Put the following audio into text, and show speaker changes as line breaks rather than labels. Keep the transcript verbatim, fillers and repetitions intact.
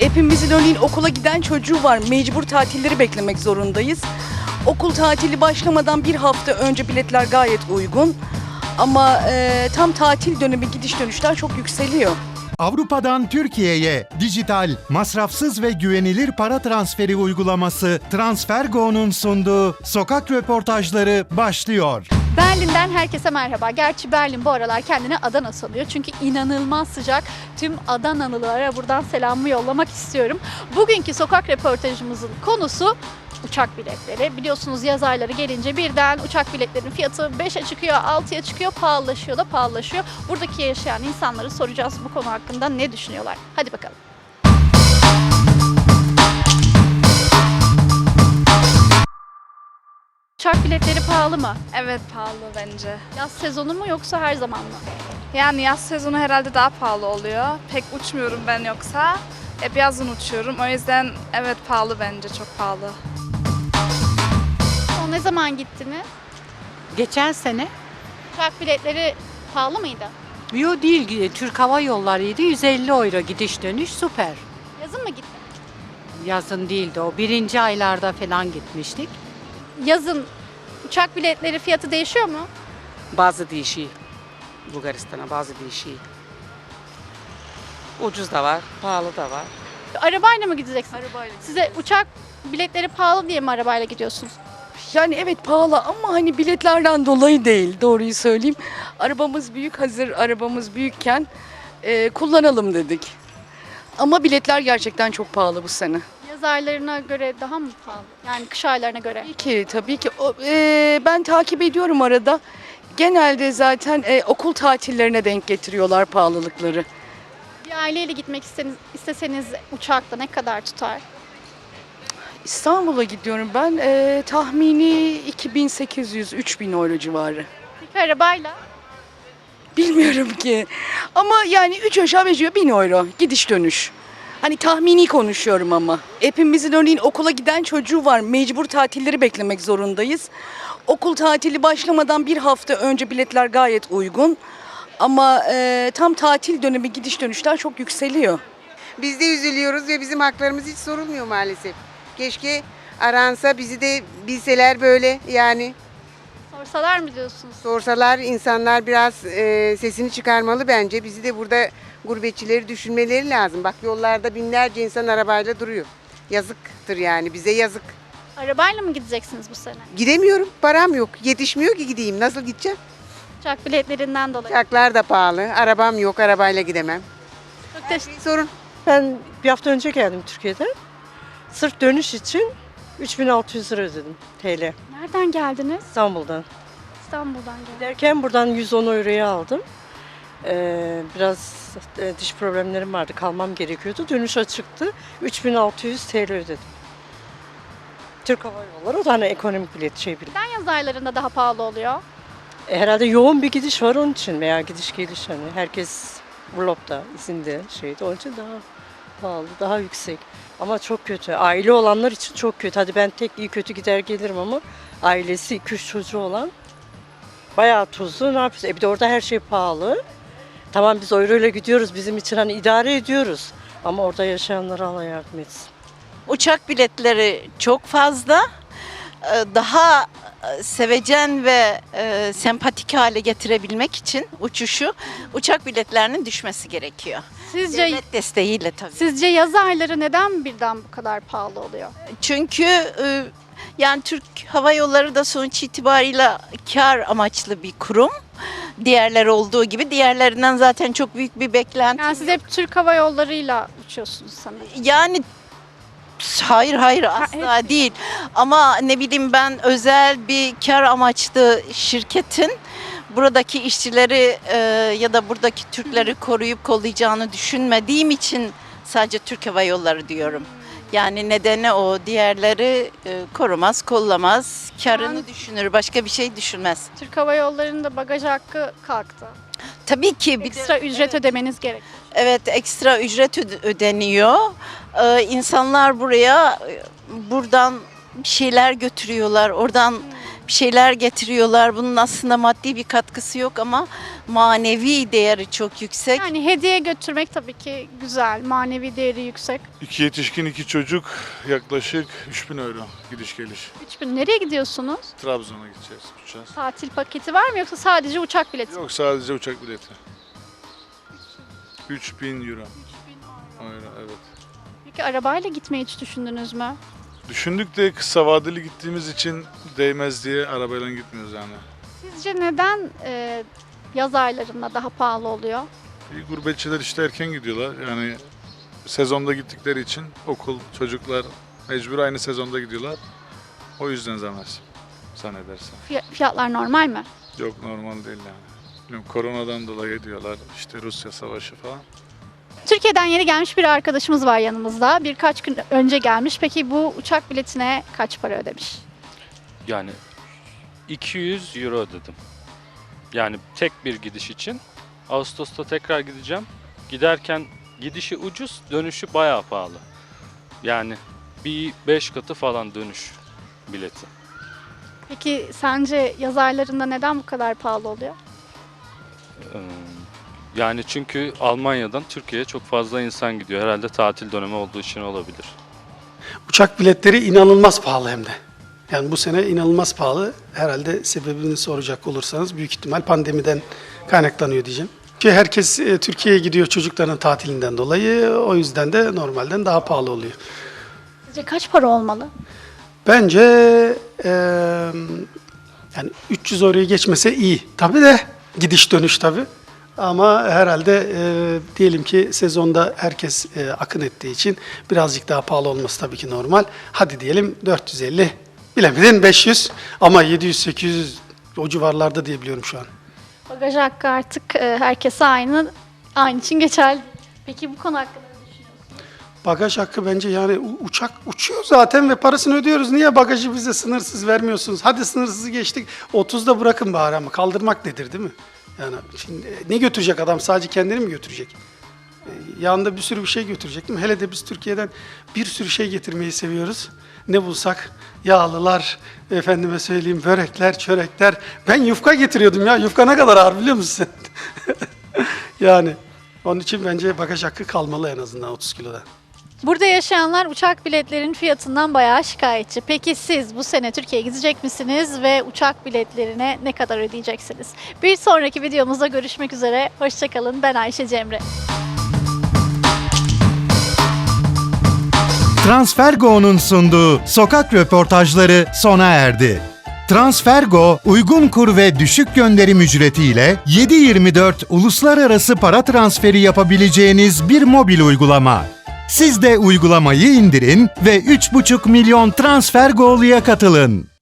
Hepimizin örneğin okula giden çocuğu var. Mecbur tatilleri beklemek zorundayız. Okul tatili başlamadan bir hafta önce biletler gayet uygun. Ama e, tam tatil dönemi gidiş dönüşler çok yükseliyor.
Avrupa'dan Türkiye'ye dijital, masrafsız ve güvenilir para transferi uygulaması TransferGo'nun sunduğu sokak röportajları başlıyor.
Berlin'den herkese merhaba. Gerçi Berlin bu aralar kendine Adana sanıyor. Çünkü inanılmaz sıcak. Tüm Adanalılara buradan selamımı yollamak istiyorum. Bugünkü sokak röportajımızın konusu uçak biletleri. Biliyorsunuz yaz ayları gelince birden uçak biletlerinin fiyatı beşe çıkıyor, altıya çıkıyor, pahalılaşıyor da pahalılaşıyor. Buradaki yaşayan insanları soracağız bu konu hakkında ne düşünüyorlar. Hadi bakalım. Uçak biletleri pahalı mı?
Evet, pahalı bence.
Yaz sezonu mu yoksa her zaman mı?
Yani yaz sezonu herhalde daha pahalı oluyor. Pek uçmuyorum ben yoksa. Hep yazın uçuyorum. O yüzden evet pahalı bence, çok pahalı.
O ne zaman gittiniz?
Geçen sene,
Uçak biletleri pahalı mıydı?
yo değil, Türk Hava Yolları'ydı, yüz elli euro gidiş dönüş, süper.
Yazın mı gittiniz?
Yazın değildi o, birinci aylarda falan gitmiştik.
Yazın uçak biletleri fiyatı değişiyor mu?
Bazı değişiyor. Bulgaristan'a bazı değişiyor. Ucuz da var, pahalı da var.
Arabayla mı gideceksiniz?
Arabayla.
Size uçak biletleri pahalı diye mi arabayla gidiyorsunuz?
Yani evet pahalı ama hani biletlerden dolayı değil, doğruyu söyleyeyim. Arabamız büyük, hazır arabamız büyükken e, kullanalım dedik. Ama biletler gerçekten çok pahalı bu sene.
Yaz aylarına göre daha mı pahalı? Yani kış aylarına göre.
Tabii ki, tabii ki. O, e, ben takip ediyorum arada. Genelde zaten e, okul tatillerine denk getiriyorlar pahalılıkları.
Bir aileyle gitmek isteseniz, isteseniz uçakta ne kadar tutar?
İstanbul'a gidiyorum ben. E, tahmini iki bin sekiz yüz üç bin euro civarı.
Peki arabayla?
Bilmiyorum ki. Ama yani üç aşağı beş yukarı bin euro gidiş dönüş. Hani tahmini konuşuyorum ama. Hepimizin örneğin okula giden çocuğu var. Mecbur tatilleri beklemek zorundayız. Okul tatili başlamadan bir hafta önce biletler gayet uygun. Ama e, tam tatil dönemi gidiş dönüşler çok yükseliyor.
Biz de üzülüyoruz ve bizim haklarımız hiç sorulmuyor maalesef. Keşke aransa bizi de bilseler böyle yani
Sorsalar mı diyorsunuz?
sorsalar insanlar biraz e, sesini çıkarmalı bence. Bizi de burada gurbetçileri düşünmeleri lazım. Bak yollarda binlerce insan arabayla duruyor. Yazıktır yani bize yazık.
Arabayla mı gideceksiniz bu sene?
Gidemiyorum param yok yetişmiyor ki gideyim nasıl gideceğim?
Uçak biletlerinden dolayı.
Uçaklar da pahalı arabam yok arabayla gidemem.
Çok teşekkür
Bir sorun.
Ben bir hafta önce geldim Türkiye'den. Sırf dönüş için üç bin altı yüz lira ödedim T L.
Nereden geldiniz?
İstanbul'dan.
İstanbul'dan geldim.
Giderken buradan yüz on euroya aldım. Ee, biraz e, diş problemlerim vardı. Kalmam gerekiyordu. Dönüş açıktı. üç bin altı yüz T L ödedim. Türk Hava Yolları o da hani ekonomik bilet şey bilet.
Neden yaz aylarında daha pahalı oluyor?
E, herhalde yoğun bir gidiş var onun için veya gidiş geliş hani herkes vlogda, izinde şeydi. Onun için daha pahalı, daha yüksek. Ama çok kötü. Aile olanlar için çok kötü. Hadi ben tek iyi kötü gider gelirim ama ailesi iki üç çocuğu olan bayağı tuzlu. Ne yapıyoruz? E bir de orada her şey pahalı. Tamam biz euro ile gidiyoruz. Bizim için hani idare ediyoruz. Ama orada yaşayanlara Allah yardım etsin.
Uçak biletleri çok fazla. Ee, Daha e, sevecen ve e, sempatik hale getirebilmek için uçuşu uçak biletlerinin düşmesi gerekiyor.
Sizce
Devlet desteğiyle tabii.
sizce yaz ayları neden birden bu kadar pahalı oluyor?
Çünkü e, yani Türk Hava Yolları da sonuç itibarıyla kar amaçlı bir kurum. Diğerleri olduğu gibi diğerlerinden zaten çok büyük bir beklenti.
Yani siz hep Türk Hava Yolları'yla uçuyorsunuz sanırım.
Yani hayır hayır asla
hepsi.
değil. Ama ne bileyim ben özel bir kar amaçlı şirketin buradaki işçileri e, ya da buradaki Türkleri koruyup kollayacağını düşünmediğim için sadece Türk Hava Yolları diyorum. Yani nedeni o. Diğerleri e, korumaz, kollamaz, karını
Yani-
düşünür, başka bir şey düşünmez.
Türk Hava Yolları'nın da bagaj hakkı kalktı.
Tabii ki bir de-
Ekstra ücret ödemeniz gerek.
Evet, ekstra ücret öde- ödeniyor. Ee, insanlar buraya e, buradan bir şeyler götürüyorlar. Oradan bir şeyler getiriyorlar. Bunun aslında maddi bir katkısı yok ama manevi değeri çok yüksek.
Yani hediye götürmek tabii ki güzel, manevi değeri yüksek.
İki yetişkin, iki çocuk yaklaşık üç bin euro gidiş geliş.
üç bin nereye gidiyorsunuz?
Trabzon'a gideceğiz, uçacağız.
Tatil paketi var mı yoksa sadece uçak bileti? mi?
Yok sadece uçak bileti. üç bin euro. Euro, evet.
Peki arabayla gitmeyi hiç düşündünüz mü?
Düşündük de kısa vadeli gittiğimiz için değmez diye arabayla gitmiyoruz yani.
Sizce neden e, yaz aylarında daha pahalı oluyor?
İyi, gurbetçiler işte erken gidiyorlar. Yani sezonda gittikleri için okul, çocuklar mecbur aynı sezonda gidiyorlar. O yüzden zamaz zannedersem.
Fiy- Fiyatlar normal mi?
Yok normal değil yani. Bilmiyorum, koronadan dolayı diyorlar işte Rusya savaşı falan.
Türkiye'den yeni gelmiş bir arkadaşımız var yanımızda. Birkaç gün önce gelmiş. Peki bu uçak biletine kaç para ödemiş?
Yani iki yüz euro ödedim. Yani tek bir gidiş için. Ağustos'ta tekrar gideceğim. Giderken gidişi ucuz, dönüşü bayağı pahalı. Yani bir beş katı falan dönüş bileti.
Peki sence yaz aylarında neden bu kadar pahalı oluyor?
Ee, Yani çünkü Almanya'dan Türkiye'ye çok fazla insan gidiyor. Herhalde tatil dönemi olduğu için olabilir.
Uçak biletleri inanılmaz pahalı hem de. Yani bu sene inanılmaz pahalı. Herhalde sebebini soracak olursanız büyük ihtimal pandemiden kaynaklanıyor diyeceğim. Ki herkes e, Türkiye'ye gidiyor çocukların tatilinden dolayı. O yüzden de normalden daha pahalı oluyor.
Sizce kaç para olmalı?
Bence e, yani üç yüz euroyu geçmese iyi. Tabii de gidiş dönüş tabii. Ama herhalde e, diyelim ki sezonda herkes e, akın ettiği için birazcık daha pahalı olması tabii ki normal. Hadi diyelim dört yüz elli, bilemedin beş yüz ama yedi yüz sekiz yüz o civarlarda diye biliyorum şu an.
Bagaj hakkı artık e, herkese aynı, aynı için geçerli. Peki bu konu hakkında ne düşünüyorsunuz?
Bagaj hakkı bence yani u- uçak uçuyor zaten ve parasını ödüyoruz. Niye bagajı bize sınırsız vermiyorsunuz? Hadi sınırsızı geçtik. otuzda bırakın bari ama kaldırmak nedir değil mi? Yani şimdi ne götürecek adam? Sadece kendini mi götürecek? Ee, Yanında bir sürü bir şey götürecek değil mi? Hele de biz Türkiye'den bir sürü şey getirmeyi seviyoruz. Ne bulsak yağlılar, efendime söyleyeyim börekler, çörekler. Ben yufka getiriyordum ya. Yufka ne kadar ağır biliyor musun sen? Yani onun için bence bagaj hakkı kalmalı en azından otuz kiloda.
Burada yaşayanlar uçak biletlerinin fiyatından bayağı şikayetçi. Peki siz bu sene Türkiye'ye gidecek misiniz ve uçak biletlerine ne kadar ödeyeceksiniz? Bir sonraki videomuzda görüşmek üzere. Hoşçakalın. Ben Ayşe Cemre.
Transfergo'nun sunduğu sokak röportajları sona erdi. Transfergo, uygun kur ve düşük gönderim ücretiyle yedi yirmi dört uluslararası para transferi yapabileceğiniz bir mobil uygulama. Siz de uygulamayı indirin ve üç buçuk milyon Transfergo'luya katılın.